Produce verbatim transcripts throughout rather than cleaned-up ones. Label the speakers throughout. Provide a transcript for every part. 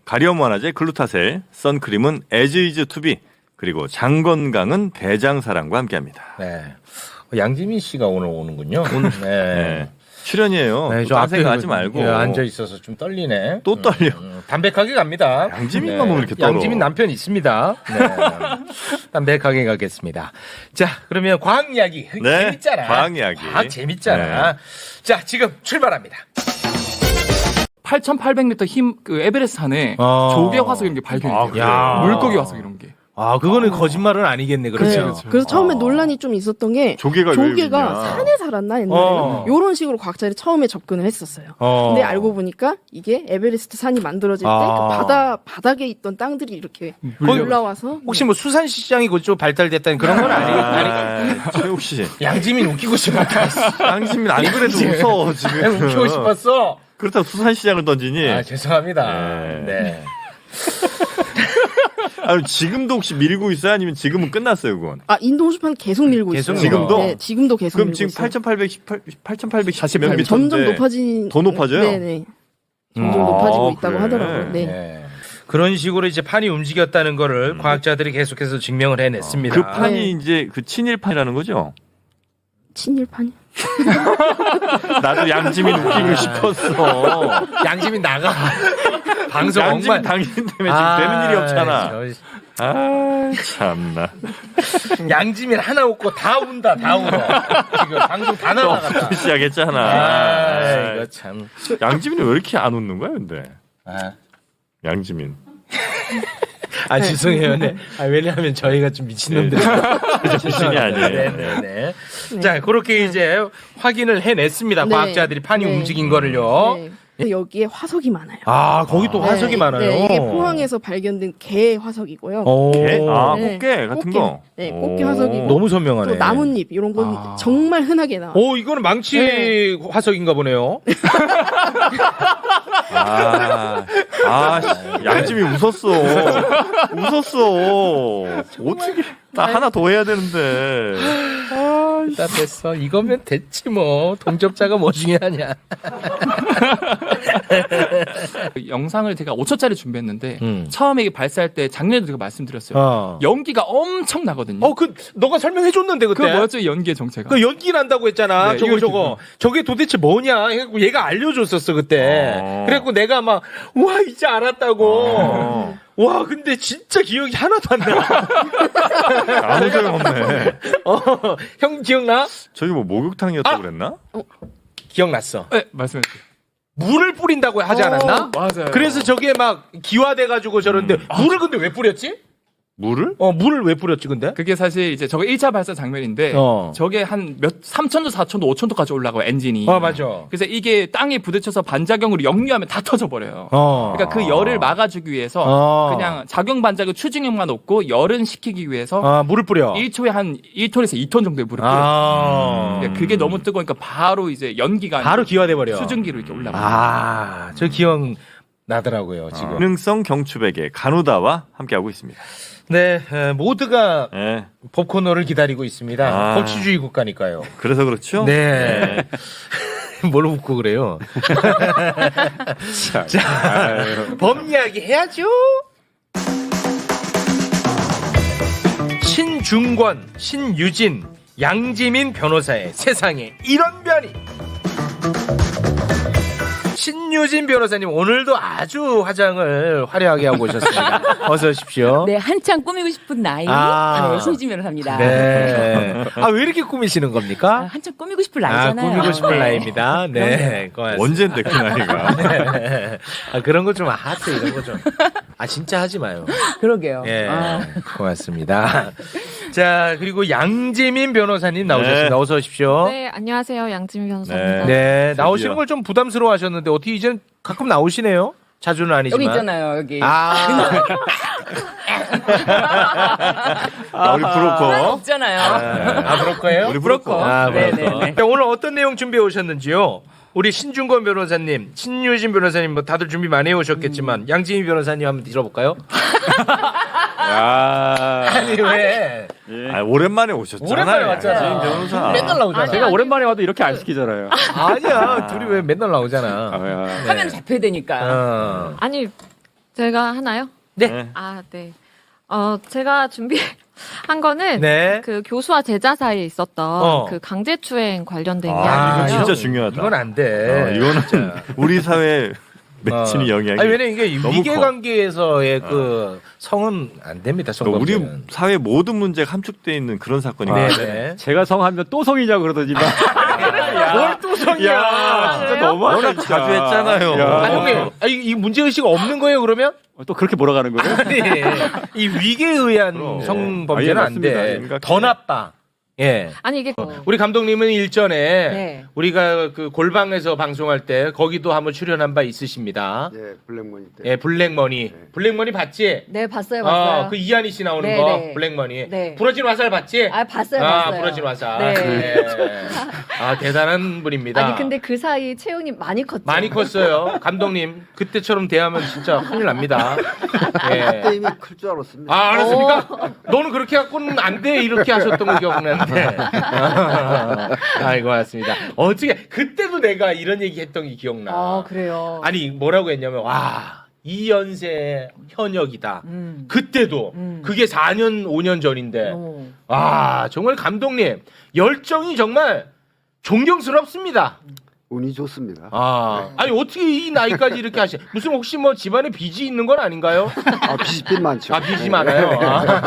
Speaker 1: 가려움 완화제 글루타셀, 선크림은 as is to be, 그리고 장건강은 대장사랑과 함께합니다.
Speaker 2: 네. 양지민 씨가 오늘 오는군요. 오늘 네.
Speaker 1: 네. 출연이에요.
Speaker 2: 네,
Speaker 1: 또 딴 생각하지 말고.
Speaker 2: 예, 앉아 있어서 좀 떨리네.
Speaker 1: 또 떨려.
Speaker 2: 음, 음, 담백하게 갑니다.
Speaker 1: 양지민만 보면 이렇게 떨어.
Speaker 2: 양지민 남편 있습니다. 네. 담백하게 가겠습니다. 자, 그러면 과학 이야기.
Speaker 1: 네,
Speaker 2: 재밌잖아.
Speaker 1: 과학 이야기.
Speaker 2: 과학 재밌잖아.
Speaker 1: 네.
Speaker 2: 자, 지금 출발합니다.
Speaker 3: 팔천팔백 미터 힘 그 에베레스트 산에
Speaker 2: 아.
Speaker 3: 조개 화석 이런 게 발견이 돼요.
Speaker 2: 야.
Speaker 3: 물고기 화석 이런 게.
Speaker 2: 아, 그거는 거짓말은 아니겠네. 그렇죠.
Speaker 4: 네.
Speaker 3: 그렇죠.
Speaker 4: 그래서 처음에
Speaker 1: 아.
Speaker 4: 논란이 좀 있었던 게
Speaker 1: 조개가 왜
Speaker 4: 조개가
Speaker 1: 있냐.
Speaker 4: 산에 살았나 옛날에는
Speaker 2: 어.
Speaker 4: 이런 식으로 과학자들이 처음에 접근을 했었어요.
Speaker 2: 어.
Speaker 4: 근데 알고 보니까 이게 에베레스트 산이 만들어질 때
Speaker 2: 아.
Speaker 4: 그 바다 바닥에 있던 땅들이 이렇게
Speaker 3: 물려-
Speaker 4: 올라와서
Speaker 2: 혹시 뭐 수산시장이 그쪽 발달됐다는 그런 건 아니겠 아니
Speaker 1: 아, 최욱 씨.
Speaker 2: 양지민 웃기고 싶었다.
Speaker 1: 양심이 안 그래도 웃어 지금.
Speaker 2: 웃기고 싶었어.
Speaker 1: 그렇다고 수산시장을 던지니.
Speaker 2: 아, 죄송합니다.
Speaker 1: 네.
Speaker 2: 네.
Speaker 1: 아니, 지금도 혹시 밀고 있어요? 아니면 지금은 끝났어요, 그건?
Speaker 4: 아 인도 호수판 계속 밀고
Speaker 2: 계속
Speaker 4: 있어요.
Speaker 1: 지금도?
Speaker 4: 네, 지금도 계속
Speaker 1: 그럼
Speaker 4: 밀고
Speaker 1: 지금
Speaker 4: 있어요.
Speaker 1: 팔천팔백십팔, 팔천팔백사십 몇
Speaker 3: 네,
Speaker 1: 미터인데
Speaker 4: 점점 높아진
Speaker 1: 더 높아져요?
Speaker 4: 네네. 점점
Speaker 1: 아,
Speaker 4: 높아지고 있다고
Speaker 1: 그래.
Speaker 4: 하더라고요. 네.
Speaker 2: 네. 그런 식으로 이제 판이 움직였다는 거를 과학자들이 계속해서 증명을 해냈습니다.
Speaker 1: 그 판이
Speaker 4: 네.
Speaker 1: 이제 그 친일판이라는 거죠?
Speaker 4: 친일판이.
Speaker 1: 나도 양지민 웃기고 싶었어.
Speaker 2: 양지민 나가. 방송
Speaker 1: 양지민
Speaker 2: 엉망.
Speaker 1: 당신 때문에 지금 되는 일이 없잖아.
Speaker 2: 저-
Speaker 1: 아, 참나.
Speaker 2: 양지민 하나 웃고 다 운다, 다 울어. 지금 방송 다 나가갔다.
Speaker 1: 또 시작했잖아.
Speaker 2: 아, 이거 참.
Speaker 1: 양지민이 왜 이렇게 안 웃는 거야, 근데?
Speaker 2: 아,
Speaker 1: 양지민.
Speaker 2: 아 죄송해요. 네. 아, 왜냐하면 저희가 좀 미친놈들.
Speaker 1: 출신이 아니에요.
Speaker 2: 네네네. 자, 그렇게 이제 확인을 해냈습니다.
Speaker 4: 네.
Speaker 2: 과학자들이 판이
Speaker 4: 네.
Speaker 2: 움직인 거를요.
Speaker 4: 네. 근데 여기에 화석이 많아요.
Speaker 2: 아, 거기 또 화석이
Speaker 4: 네,
Speaker 2: 많아요.
Speaker 4: 네, 이게 포항에서 발견된 개 화석이고요.
Speaker 2: 오.
Speaker 1: 개? 아,
Speaker 4: 네.
Speaker 1: 꽃게 같은
Speaker 4: 꽃게.
Speaker 1: 거?
Speaker 4: 네, 꽃게
Speaker 1: 오.
Speaker 4: 화석이고.
Speaker 2: 너무 선명하네.
Speaker 4: 또 나뭇잎 이런 건
Speaker 3: 아.
Speaker 4: 정말 흔하게 나와요.
Speaker 2: 오, 이거는 망치
Speaker 4: 네.
Speaker 2: 화석인가 보네요.
Speaker 1: 아, 아, 씨, 양심이 웃었어. 웃었어. 어떻게, 나 하나 더 해야 되는데.
Speaker 2: 다 됐어. 이거면 됐지 뭐. 동접자가 뭐 중요하냐.
Speaker 3: 그 영상을 제가 오 초짜리 준비했는데
Speaker 2: 음.
Speaker 3: 처음에 이게 발사할 때 작년에도 제가 말씀드렸어요.
Speaker 2: 어.
Speaker 3: 연기가 엄청 나거든요.
Speaker 2: 어, 그 너가 설명해 줬는데
Speaker 3: 그
Speaker 2: 그때.
Speaker 3: 뭐였죠? 연기의 정체가.
Speaker 2: 그 연기 난다고 했잖아.
Speaker 3: 네,
Speaker 2: 저거
Speaker 3: 이거
Speaker 2: 저거. 저게 도대체 뭐냐. 해갖고 얘가 알려줬었어 그때.
Speaker 1: 어.
Speaker 2: 그래갖고 내가 막 우와 이제 알았다고.
Speaker 1: 어.
Speaker 2: 와 근데 진짜 기억이 하나도 안 나.
Speaker 1: 아무 소용없네.
Speaker 2: 어, 형 기억나?
Speaker 1: 저기 뭐 목욕탕이었다고
Speaker 2: 아!
Speaker 1: 그랬나?
Speaker 2: 기억났어.
Speaker 3: 네, 말씀해 주세요.
Speaker 2: 물을 뿌린다고 하지 않았나?
Speaker 3: 맞아요.
Speaker 2: 그래서 저게 막 기화돼가지고 저런데
Speaker 1: 음.
Speaker 2: 물을 근데 왜 뿌렸지?
Speaker 1: 물을?
Speaker 2: 어 물을 왜 뿌렸지 근데?
Speaker 3: 그게 사실 이제 저거 일 차 발사 장면인데
Speaker 2: 어.
Speaker 3: 저게 한 몇 삼천도 사천도 오천도까지 올라가요 엔진이.
Speaker 2: 어 맞아.
Speaker 3: 그래서 이게 땅에 부딪혀서 반작용으로 역류하면 다 터져버려요.
Speaker 2: 어.
Speaker 3: 그러니까 그 열을 막아주기 위해서
Speaker 2: 어.
Speaker 3: 그냥 작용 반작용 추진력만 없고 열은 식히기 위해서
Speaker 2: 아 물을 뿌려.
Speaker 3: 일 초에 한 일 톤에서 이 톤 정도의 물을 뿌려요.
Speaker 2: 아.
Speaker 3: 그러니까 그게 너무 뜨거우니까 바로 이제 연기가
Speaker 2: 바로
Speaker 3: 아니고
Speaker 2: 기화돼 버려.
Speaker 3: 수증기로 이렇게 올라가요.
Speaker 2: 아, 저 기억 나더라고요 지금.
Speaker 1: 기능성 경추베개 가누다와 함께하고 있습니다.
Speaker 2: 네, 에, 모두가
Speaker 1: 네.
Speaker 2: pop코너를 기다리고 있습니다.
Speaker 1: 아.
Speaker 2: 법치주의 국가니까요.
Speaker 1: 그래서 그렇죠?
Speaker 2: 네. 뭘 웃고 그래요? 자, 법 이야기 해야죠. 신중권, 신유진, 양지민 변호사의 세상에 이런 변이. 신유진 변호사님 오늘도 아주 화장을 화려하게 하고 오셨습니다. 어서 오십시오.
Speaker 5: 네, 한창 꾸미고 싶은 나이.
Speaker 2: 아.
Speaker 5: 네, 신유진 변호사입니다.
Speaker 2: 네. 아, 왜 이렇게 꾸미시는
Speaker 5: 아,
Speaker 2: 겁니까?
Speaker 5: 한창 꾸미고 싶은
Speaker 2: 아,
Speaker 5: 나이잖아요.
Speaker 2: 꾸미고 싶은
Speaker 5: 네.
Speaker 2: 나이입니다. 네. 고맙습니다.
Speaker 1: 언젠데 그 나이가.
Speaker 2: 네. 아, 그런 거 좀 하트 이런 거 좀. 아, 진짜 하지 마요.
Speaker 5: 그러게요.
Speaker 2: 예.
Speaker 5: 아.
Speaker 2: 고맙습니다. 자, 그리고 양재민 변호사님 나오셨습니다.
Speaker 1: 네.
Speaker 2: 어서 오십시오.
Speaker 6: 네, 안녕하세요. 양지민 변호사입니다.
Speaker 2: 네,
Speaker 1: 드디어.
Speaker 2: 나오시는 걸 좀 부담스러워 하셨는데 어떻게 이제 가끔 나오시네요? 자주는 아니지만.
Speaker 5: 여기 있잖아요, 여기.
Speaker 2: 아.
Speaker 1: 아, 우리 브로커.
Speaker 5: 없잖아요.
Speaker 2: 아, 그럴 거예요?
Speaker 1: 우리 브로커.
Speaker 2: 아,
Speaker 5: 네,
Speaker 2: 브로커.
Speaker 5: 네, 네.
Speaker 2: 자, 오늘 어떤 내용 준비해 오셨는지요? 우리 신중권 변호사님, 신유진 변호사님 뭐 다들 준비 많이 해 오셨겠지만
Speaker 5: 음.
Speaker 2: 양지민 변호사님 한번 들어볼까요?
Speaker 1: 야.
Speaker 2: 아니 왜?
Speaker 1: 아, 오랜만에 오셨잖아요.
Speaker 2: 오랜만에 왔잖아.
Speaker 1: 양지민 변호사.
Speaker 2: 맨날 나오잖아.
Speaker 6: 제가
Speaker 7: 오랜만에 와도 이렇게 안 시키잖아요.
Speaker 2: 아니야, 둘이 왜 맨날 나오잖아.
Speaker 7: 아,
Speaker 5: 화면 잡혀야 되니까.
Speaker 2: 어.
Speaker 6: 아니, 제가 하나요?
Speaker 2: 네.
Speaker 6: 아, 네. 어, 제가 준비한 거는
Speaker 2: 네.
Speaker 6: 그 교수와 제자 사이에 있었던
Speaker 2: 어.
Speaker 6: 그 강제추행 관련된
Speaker 2: 아,
Speaker 1: 이거
Speaker 6: 이야기예요.
Speaker 1: 진짜 중요하다.
Speaker 2: 이건 안 돼.
Speaker 1: 어, 이거는 우리 사회 맺히는
Speaker 2: 어.
Speaker 1: 영향이.
Speaker 2: 아니 왜냐면 이게
Speaker 1: 너무
Speaker 2: 위계
Speaker 1: 커.
Speaker 2: 관계에서의 그 성은 안 됩니다.
Speaker 1: 그러니까 우리
Speaker 2: 성범죄는.
Speaker 1: 사회 모든 문제가 함축돼 있는 그런 사건이
Speaker 2: 네,
Speaker 1: 많아요.
Speaker 2: 네.
Speaker 7: 제가 성하면 또 성이냐고 그러더니만.
Speaker 2: 뭘 또 성이야?
Speaker 7: 야, 진짜 너무하다.
Speaker 1: 워낙
Speaker 7: 진짜.
Speaker 1: 자주 했잖아요.
Speaker 7: 야.
Speaker 2: 아, 형님, 아, 이, 이 문제 의식 없는 거예요 그러면?
Speaker 7: 또 그렇게 몰아가는 거예요?
Speaker 2: 아니, 이 위계에 의한
Speaker 1: 그럼.
Speaker 2: 성범죄는
Speaker 7: 아, 예,
Speaker 2: 안 돼.
Speaker 1: 맞습니다.
Speaker 2: 더 나빠. 예.
Speaker 6: 아니 이게
Speaker 2: 우리 감독님은 일전에
Speaker 5: 네.
Speaker 2: 우리가 그 골방에서 방송할 때 거기도 한번 출연한 바 있으십니다.
Speaker 8: 예, 블랙머니 때.
Speaker 2: 예, 블랙머니. 블랙머니 봤지?
Speaker 5: 네, 봤어요, 봤어요.
Speaker 2: 어, 그 이한희 씨 나오는
Speaker 5: 네,
Speaker 2: 거
Speaker 5: 네.
Speaker 2: 블랙머니.
Speaker 5: 네.
Speaker 2: 부러진 화살 봤지?
Speaker 5: 아, 봤어요,
Speaker 2: 아,
Speaker 5: 봤어요.
Speaker 2: 부러진 화살.
Speaker 5: 네.
Speaker 2: 예. 아, 대단한 분입니다.
Speaker 5: 아니 근데 그 사이 채용님 많이 컸죠.
Speaker 2: 많이 컸어요. 감독님. 그때처럼 대하면 진짜 큰일 납니다.
Speaker 8: 그때
Speaker 2: 예.
Speaker 8: 이미 클 줄 알았습니다.
Speaker 2: 아, 알았습니까? 너는 그렇게 갖고는 안 돼. 이렇게 하셨던 거 기억나는데. 아이고, 맞습니다. 어떻게, 그때도 내가 이런 얘기 했던 게 기억나.
Speaker 5: 아, 그래요.
Speaker 2: 아니, 뭐라고 했냐면, 와, 이 연세 현역이다.
Speaker 5: 음.
Speaker 2: 그때도.
Speaker 5: 음.
Speaker 2: 그게 사 년, 오 년 전인데.
Speaker 5: 어.
Speaker 2: 아, 정말 감독님. 열정이 정말 존경스럽습니다.
Speaker 8: 운이 좋습니다.
Speaker 2: 아, 아니 어떻게 이 나이까지 이렇게 하시? 무슨 혹시 뭐 집안에 빚이 있는 건 아닌가요?
Speaker 8: 아, 빚이 많죠.
Speaker 2: 아, 빚이 많아요.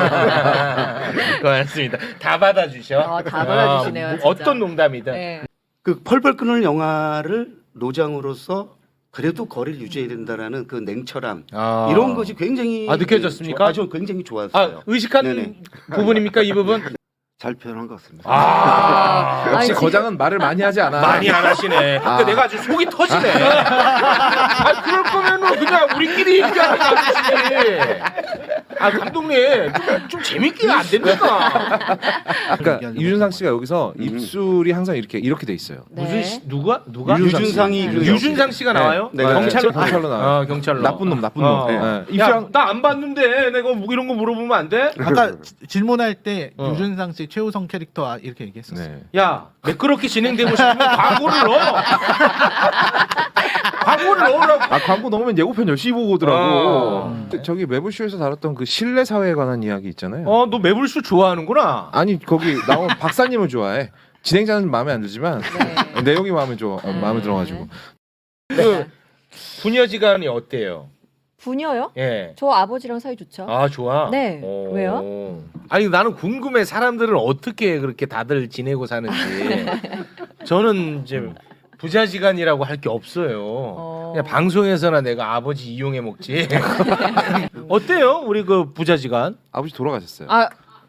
Speaker 2: 아, 고맙습니다. 다 받아주셔.
Speaker 5: 아, 다 받아주시네요,
Speaker 2: 아,
Speaker 5: 진짜.
Speaker 2: 어떤 농담이든.
Speaker 5: 네.
Speaker 9: 그 펄펄 끓는 영화를 노장으로서 그래도 거리를 유지해야 된다라는 그 냉철함
Speaker 2: 아.
Speaker 9: 이런 것이 굉장히
Speaker 2: 아, 느껴졌습니까?
Speaker 9: 아주 굉장히 좋았어요.
Speaker 2: 아, 의식한
Speaker 9: 네네.
Speaker 2: 부분입니까 이 부분?
Speaker 8: 잘 표현한 것 같습니다.
Speaker 2: 아,
Speaker 5: 역시
Speaker 10: 거장은 말을 많이 하지 않아.
Speaker 2: 많이 안 하시네. 그러니까 내가 아주 속이 터지네. 아, 그럴 거면은 그냥 우리끼리 얘기하는 거 아니지. 아, 감독님 좀, 좀 재밌게 안 됩니까?
Speaker 10: 그러니까 유준상 씨가 여기서 입술이 항상 이렇게 이렇게 돼 있어요.
Speaker 5: 네.
Speaker 2: 무슨 시, 누가 누가
Speaker 9: 유준상이 그
Speaker 2: 유준상 씨가 나와요?
Speaker 9: 네.
Speaker 2: 경찰로
Speaker 10: 경찰로 나와요.
Speaker 2: 아, 경찰로.
Speaker 10: 나쁜 놈, 나쁜
Speaker 2: 어.
Speaker 10: 놈. 네. 입술
Speaker 2: 야,
Speaker 10: 항-
Speaker 2: 나 안 봤는데 내가 뭐 이런 거 물어보면 안 돼?
Speaker 11: 아까 지- 질문할 때
Speaker 2: 어.
Speaker 11: 유준상 씨 최우성 캐릭터 아, 이렇게 얘기했었어요.
Speaker 10: 네.
Speaker 2: 야, 매끄럽게 진행되고 싶으면 광고를 넣어. 광고를 넣으라고.
Speaker 10: 아 광고 넣으면 예고편 열심히 보고 오더라고.
Speaker 2: 어.
Speaker 10: 저기 매블쇼에서 다뤘던 그 신뢰 사회에 관한 이야기 있잖아요.
Speaker 2: 어, 너 매불쇼 좋아하는구나.
Speaker 10: 아니 거기 나온 박사님을 좋아해. 진행자는 마음에 안 들지만
Speaker 5: 네.
Speaker 10: 내용이 마음에 좋아, 어, 마음에 들어가지고.
Speaker 2: 그 부녀지간이 어때요?
Speaker 5: 부녀요?
Speaker 2: 예.
Speaker 5: 저 아버지랑 사이 좋죠.
Speaker 2: 아, 좋아.
Speaker 5: 네.
Speaker 2: 오.
Speaker 5: 왜요?
Speaker 2: 아니 나는 궁금해. 사람들은 어떻게 그렇게 다들 지내고 사는지. 저는 이제 부자지간이라고 할 게 없어요.
Speaker 5: 어.
Speaker 2: 그냥 방송에서나 내가 아버지 이용해 먹지. 어때요? 우리 그 부자지간?
Speaker 10: 아버지 돌아가셨어요.
Speaker 5: 아.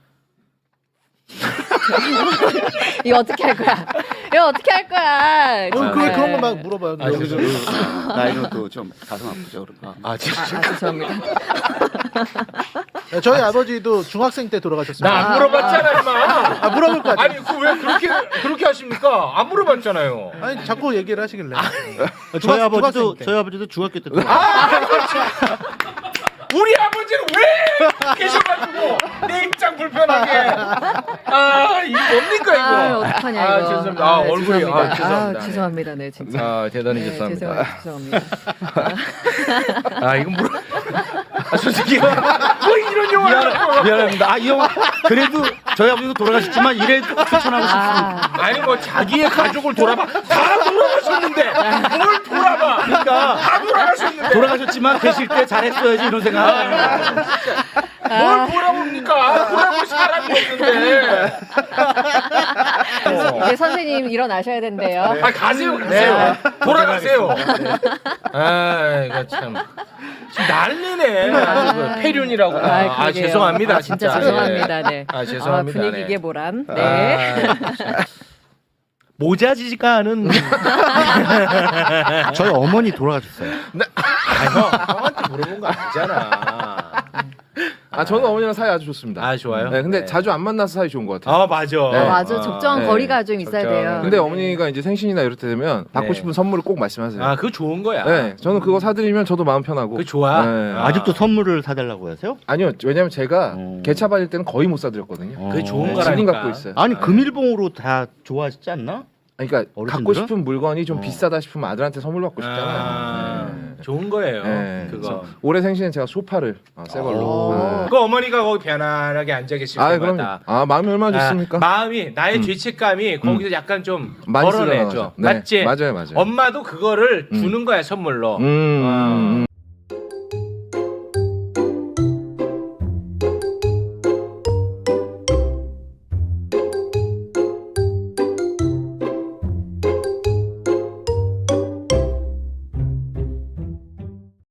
Speaker 5: 이거 어떻게 할 거야? 이거 어떻게 할 거야?
Speaker 11: 어,
Speaker 5: 정말.
Speaker 11: 그 그런 거 막 물어봐요.
Speaker 2: 아,
Speaker 11: 여기서.
Speaker 9: 나이는 또 좀 가슴 아프죠. 그러면.
Speaker 2: 아, 진짜.
Speaker 5: 아, 죄송합니다.
Speaker 11: 네, 저희 아버지도 중학생 때 돌아가셨어요.
Speaker 2: 나 안 물어봤잖아, 임마.
Speaker 11: 아, 물어볼 거 같아요.
Speaker 2: 아니, 그 왜 그렇게 그렇게 하십니까? 안 물어봤잖아요.
Speaker 11: 아니 자꾸 얘기를 하시길래.
Speaker 9: 저희
Speaker 11: 중학-
Speaker 9: 아버지도
Speaker 11: 중학생 때.
Speaker 9: 저희 아버지도 중학교 때
Speaker 2: 우리 아버지는 왜 계셔가지고 내 입장 불편하게. 아, 이거 뭡니까 이거?
Speaker 5: 아, 어떡하냐 이거.
Speaker 2: 아, 죄송합니다. 아,
Speaker 5: 네,
Speaker 2: 얼굴이
Speaker 5: 죄송합니다.
Speaker 2: 아, 죄송합니다.
Speaker 5: 아, 죄송합니다. 네, 진짜.
Speaker 2: 아, 대단히
Speaker 5: 네,
Speaker 2: 죄송합니다.
Speaker 5: 죄송합니다. 죄송합니다.
Speaker 2: 아, 이건 물어. 아, 솔직히 뭐 이런 영화.
Speaker 9: 미안합니다. 아, 이 형 그래도 저희 아버지도 돌아가셨지만 이래도 추천하고 싶습니다.
Speaker 5: 아,
Speaker 2: 아니 뭐 자기의 가족을 돌아봐. 다 돌아가셨는데 뭘 돌아봐?
Speaker 9: 그러니까
Speaker 2: 다 돌아가셨는데.
Speaker 9: 돌아가셨지만 계실 때 잘했어야지 이런 생각.
Speaker 2: 뭘 돌아봅니까? 돌아볼 사람이 없는데.
Speaker 5: 이제 선생님 일어나셔야 된대요.
Speaker 2: 아, 가세요, 가세요. 돌아가세요. 아, 이거 참. 지금 난리네. 아주 그 폐륜이라고. 아, 아,
Speaker 5: 그러게요.
Speaker 2: 죄송합니다.
Speaker 5: 아, 진짜 죄송합니다. 네.
Speaker 2: 아, 죄송합니다.
Speaker 5: 아,
Speaker 2: 네.
Speaker 5: 분위기의 보람. 네.
Speaker 2: 아, 모자지간은
Speaker 9: 저희 어머니 돌아가셨어요.
Speaker 2: 아, 형, 형한테 물어본 거 아니잖아.
Speaker 10: 아 저는 어머니랑 사이 아주 좋습니다.
Speaker 2: 아, 좋아요?
Speaker 10: 네, 근데
Speaker 2: 네.
Speaker 10: 자주 안 만나서 사이 좋은 것 같아요.
Speaker 2: 아, 맞아.
Speaker 10: 네.
Speaker 5: 어, 맞아. 적정한
Speaker 10: 네.
Speaker 5: 거리가 좀 있어야
Speaker 2: 적정한
Speaker 5: 돼요.
Speaker 10: 근데
Speaker 5: 네.
Speaker 10: 어머니가 이제 생신이나 이럴 때 되면 받고
Speaker 2: 네.
Speaker 10: 싶은 선물을 꼭 말씀하세요.
Speaker 2: 아, 그거 좋은 거야.
Speaker 10: 네, 저는 그거 사드리면 저도 마음 편하고.
Speaker 2: 그거 좋아.
Speaker 10: 네.
Speaker 2: 아.
Speaker 9: 아직도 선물을 사달라고 하세요?
Speaker 10: 아니요, 왜냐면 제가
Speaker 9: 어.
Speaker 10: 개차 받을 때는 거의 못 사드렸거든요.
Speaker 2: 그게 좋은
Speaker 10: 네,
Speaker 2: 거라니까.
Speaker 10: 지금 갖고 있어요.
Speaker 9: 아니 금일봉으로 다 좋아하시지 않나?
Speaker 10: 그러니까 갖고
Speaker 11: 어르신들은?
Speaker 10: 싶은 물건이 좀
Speaker 11: 어.
Speaker 10: 비싸다 싶으면 아들한테 선물 받고 싶잖아요.
Speaker 2: 아,
Speaker 10: 네.
Speaker 2: 좋은 거예요.
Speaker 10: 네,
Speaker 2: 그거.
Speaker 10: 그래서 올해 생신에 제가 소파를 어, 새 걸로.
Speaker 11: 오.
Speaker 10: 네.
Speaker 2: 그 어머니가 거기 편안하게 앉아 계실
Speaker 10: 아, 그럼
Speaker 2: 때마다
Speaker 10: 아 마음이 얼마나 좋습니까?
Speaker 2: 아, 마음이 나의
Speaker 10: 음.
Speaker 2: 죄책감이 거기서 약간 좀
Speaker 10: 많이
Speaker 2: 덜어내죠.
Speaker 10: 쓰러나죠. 네,
Speaker 2: 맞지?
Speaker 10: 맞아요, 맞아요.
Speaker 2: 엄마도 그거를
Speaker 10: 음.
Speaker 2: 주는 거야 선물로.
Speaker 10: 음.
Speaker 2: 어.